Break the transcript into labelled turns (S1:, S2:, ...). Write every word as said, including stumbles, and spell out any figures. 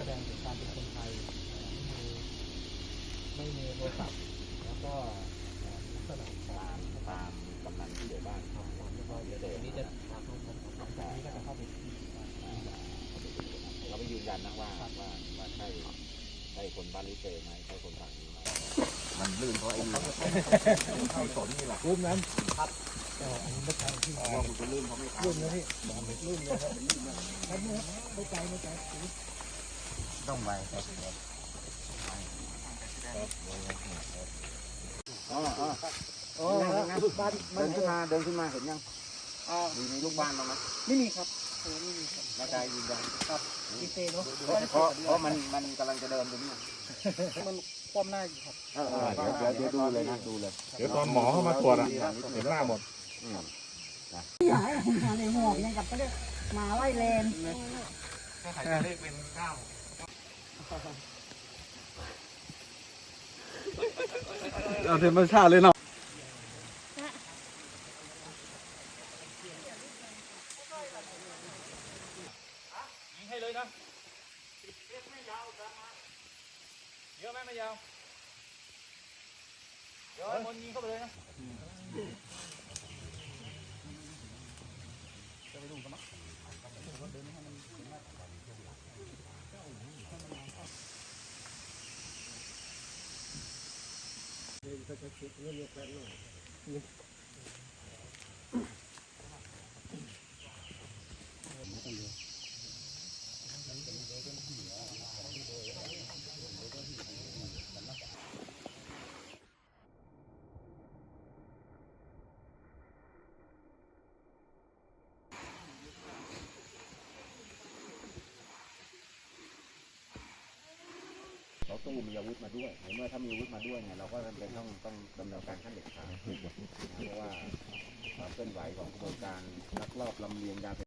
S1: แสดงถึงความเป็นคนไทยไม่มีไม่มีโทรศัพท์แล้วก็ลักษณะตามตามกำนันที่เหลือบ้านครับแล้วก็เดี๋ยวเดี๋ยวนี้จะหลังจากนี้ก็จะเข้าไปเราไปยืนยันนะว่าว่าว่าใช่ใช่คนบ้านลิเกไหมใช่คนฝั่งนี้ไหมมันลื่นเพราะไอ้นี่เข้าสนนี่แหละลื่นนั้นครับอ๋ออันนี้ไม่ใช่ที่อ๋อคุณจะลื่นเพราะไม่ลื่นนะพี่ลื่นเลยครับลื่นนะครับไม่ไกลไม่ไกลต้องไปครับอ๋ออ๋ออ๋อบ้านเดินขึ้นมาเดินขึ้นมาเห็นยังอ๋อมีมีลูกบ้านบ้างไหมไม่มีครับไม่มีครับร่างกายยืนยันครับดีเซเนาะเพราะเพราะมันมันกำลังจะเดินตรงนี้มันคว่ำหน้าอยู่ครับเออเดี๋ยวเดี๋ยวดูเลยนะดูเลย
S2: เดี๋ยวตอนหมอเข้ามาตรวจอ่ะเห็นหน้าหมด
S3: อยากให้มาในหัวเนี่ยกับก็เรียกมาไล่เลน
S1: ถ้าใครจะเลขเป็นเก้า
S4: เอาธรรมชาติเลยเนาะ
S1: ยิงให้เลยนะไม่ยาวเยอะไหมไม่ยาวเดี๋ยวคนยิงเข้าไปเลยนะจะไปดูกันมั้ยเดินให้มันเดินก็จะคิดเรื่องแปลกหน่อยเราตู้มีอาวุธมาด้วยเมื่อถ้ามีอาวุธมาด้วยเนี่ยเราก็จำเป็นต้องต้องดำเนินการขั้นเด็ดขาดเพราะว่าความเคลื่อนไหวของกระบวนการลักลอบลำเลียงยาเสพติด